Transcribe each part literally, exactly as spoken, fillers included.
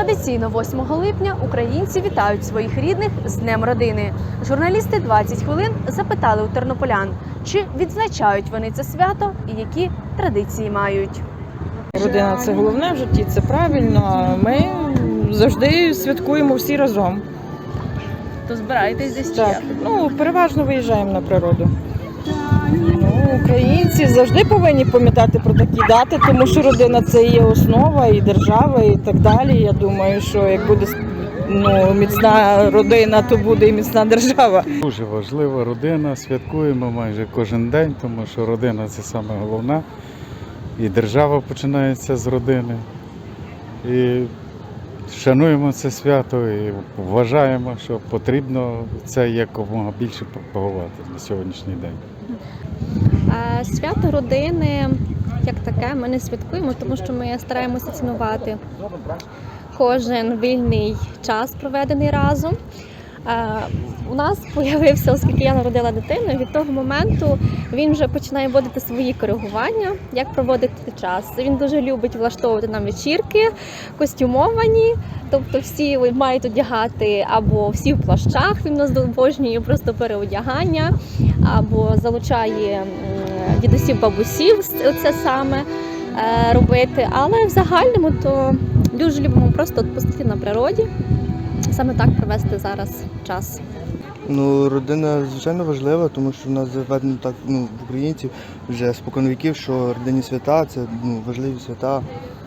Традиційно восьмого липня українці вітають своїх рідних з Днем родини. Журналісти двадцять хвилин запитали у тернополян, чи відзначають вони це свято і які традиції мають. Родина – це головне в житті, це правильно. Ми завжди святкуємо всі разом. То збираєтесь десь? Так, ну, переважно виїжджаємо на природу. Ну, українці завжди повинні пам'ятати про такі дати, тому що родина – це є основа і держава, і так далі. Я думаю, що як буде ну, міцна родина, то буде і міцна держава. Дуже важлива родина, святкуємо майже кожен день, тому що родина – це саме головне. І держава починається з родини. І шануємо це свято і вважаємо, що потрібно це якомога більше пропагувати на сьогоднішній день. Свято родини, як таке, ми не святкуємо, тому що ми стараємося цінувати кожен вільний час, проведений разом. У нас з'явився, оскільки я народила дитину, від того моменту він вже починає вводити свої коригування, як проводити час. Він дуже любить влаштовувати нам вечірки, костюмовані, тобто всі мають одягати або всі в плащах, він нас обожнює просто переодягання, або залучає дідусів, бабусів це саме робити. Але в загальному то дуже любимо просто відпустити на природі. Саме так провести зараз час. Ну, родина, звичайно, важлива, тому що в нас заведено так, ну, в українців вже спокон віків, що родинні свята – це ну, важливі свята.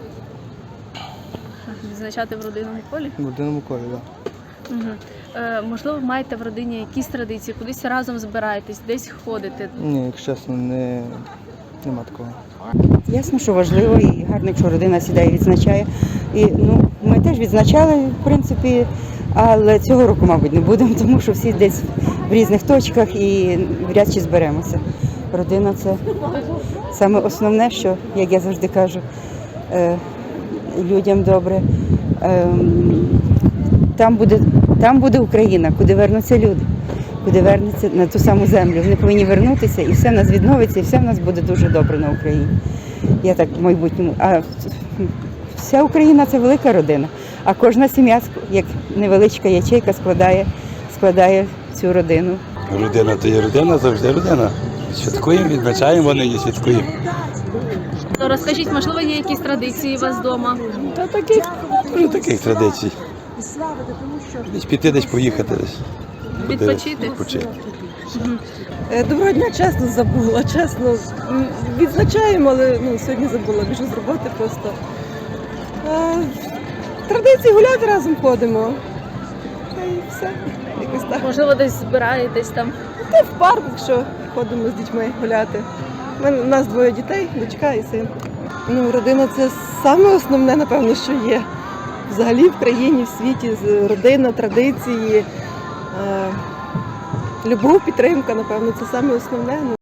Відзначати в родинному колі? В родинному колі, так. Да. Угу. Е, можливо, маєте в родині якісь традиції, кудись разом збираєтесь, десь ходите? Ні, якщо чесно, не, нема такого. Ясно, що важливо і гарно, якщо родина сідає і відзначає. І, ну, ми теж відзначали, в принципі, але цього року, мабуть, не будемо, тому що всі десь в різних точках і вряд чи зберемося. Родина – це саме основне, що, як я завжди кажу, е, людям добре. Е, там буде, там буде Україна, куди вернуться люди, куди вернуться на ту саму землю. Вони повинні вернутися, і все в нас відновиться, і все в нас буде дуже добре на Україні. Я так в майбутньому. А вся Україна – це велика родина, а кожна сім'я, як невеличка ячейка, складає, складає цю родину. Родина – то є родина, завжди родина. Святкуємо, відзначаємо, вони і святкуємо. То розкажіть, можливо, є якісь традиції у вас вдома? Та таких, ну, таких традицій. Десь піти, десь поїхати, десь. Відпочити? Відпочити. Доброго дня, чесно забула, чесно. Відзначаємо, але ну, сьогодні забула, біжу з роботи просто. Традиції гуляти разом ходимо. Та і все, якось так. Можливо, десь збираєтесь там? Та в парк, якщо ходимо з дітьми гуляти. У нас двоє дітей, дочка і син. Ну, родина – це саме основне, напевно, що є. Взагалі в країні, в світі, родина, традиції, любов, підтримка, напевно, це саме основне.